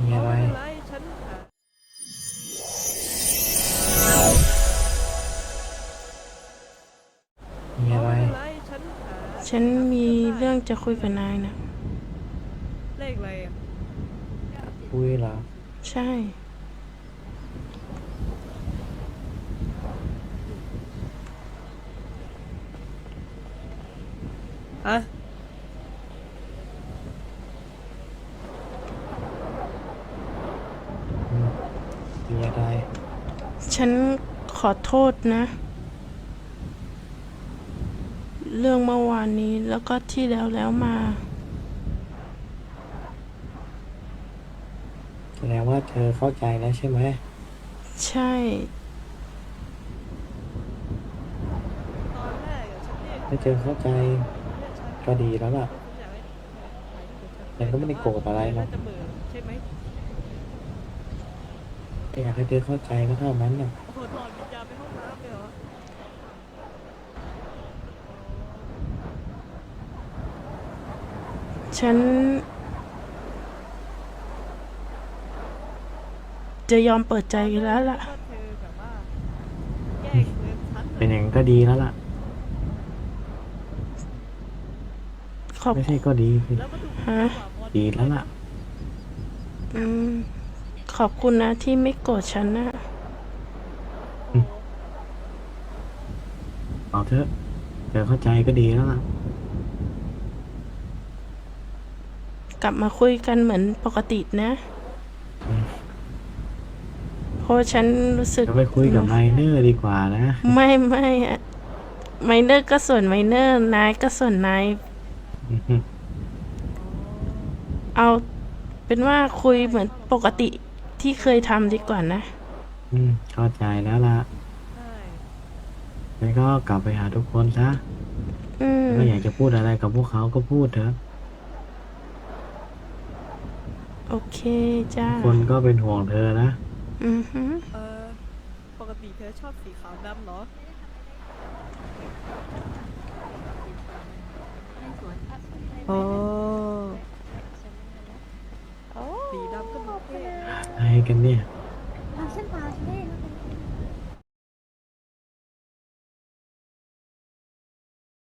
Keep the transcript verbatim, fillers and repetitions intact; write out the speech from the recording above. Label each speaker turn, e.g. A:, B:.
A: มีอะไร
B: ไม่เป็นไรฉันอ่ะ
A: มีอะไร
B: อ๋อไม่เป็นไรฉันอ่า
C: ฉันมีเรื่องจะคุยกับนายนะ
B: เลขอะไรอ่ะ
A: คุยเหรอ
C: ใช่
B: ฮะ
A: อืมมีอะไร
C: ฉันขอโทษนะ เรื่องเมื่อวานนี้แล้วก็ที่แล้วแล้วมา
A: แสดงว่าเธอเข้าใจแล้วใช่ไหม
C: ใช่
B: ตอนแรกอ่ะฉันเรียก
A: ถ้าเธอเข้าใจ
B: เรียกฉัน
A: ก็ดีแล้วล่ะ
B: เพราะฉันอยากให้ถ่ายรูปกับฉัน
A: ฉันก็ไม่ได้โกรธอะไรหรอก
B: น่าจะเหมือใช่ไหม
A: แค่อยากให้เธอเข้าใจก็เท่านั้นน่ะ
B: โอ้โหหลอนวิญญาณไปห้องน้ำเลยเหรอ
C: ฉัน จะยอมเปิดใจกันแล้วล่ะ
B: ก็เธอแบบว่าแย่งเงินฉันเล
A: เป็น
B: ย
A: อย่างนั้นก็ดีแล้วล่ะ
C: ขอบ
A: ไม่ใช่ก็ดีสิ
B: แล้วก็ดู
C: ฮะ
B: กว่าบอล
A: ดี
B: ด้วยนะ
A: แล้วล่ะ
C: อืม ขอบคุณนะที่ไม่โกรธฉันนะ
B: โอ้
A: อืมเอาเถอะเธอเข้าใจก็ดีแล้วล่ะ
C: กลับมาคุยกันเหมือนปกตินะ
A: อืม
C: เพราะฉันรู้สึก
A: เดี๋ยวไปคุยกับไมเนอร์ดีกว่านะ
C: ไม่ไม่อะไมเนอร์ก็ส่วนไมเนอร์นายก็ส่วนนาย
A: อือฮึ
C: เอาเป็นว่าคุยเหมือนปกติที่เคยทำดีกว่านะ
A: อืมเข้าใจแล้วล่ะ
B: ใช่
A: งั้นก็กลับไปหาทุกคนซะ
C: อืม
A: ก็อยากจะพูดอะไรกับพวกเขาก็พูดเถอะ
C: โอเคจ้า
A: ทุกคนก็เป็นห่วงเธอนะ
C: อือฮึ
B: เออปกติเธอชอบสีขาวดำเหรออ๋อสีดำก็ดูเท่นะ
A: อะไรกันเนี่ย
D: 啊，先把那个。
B: โ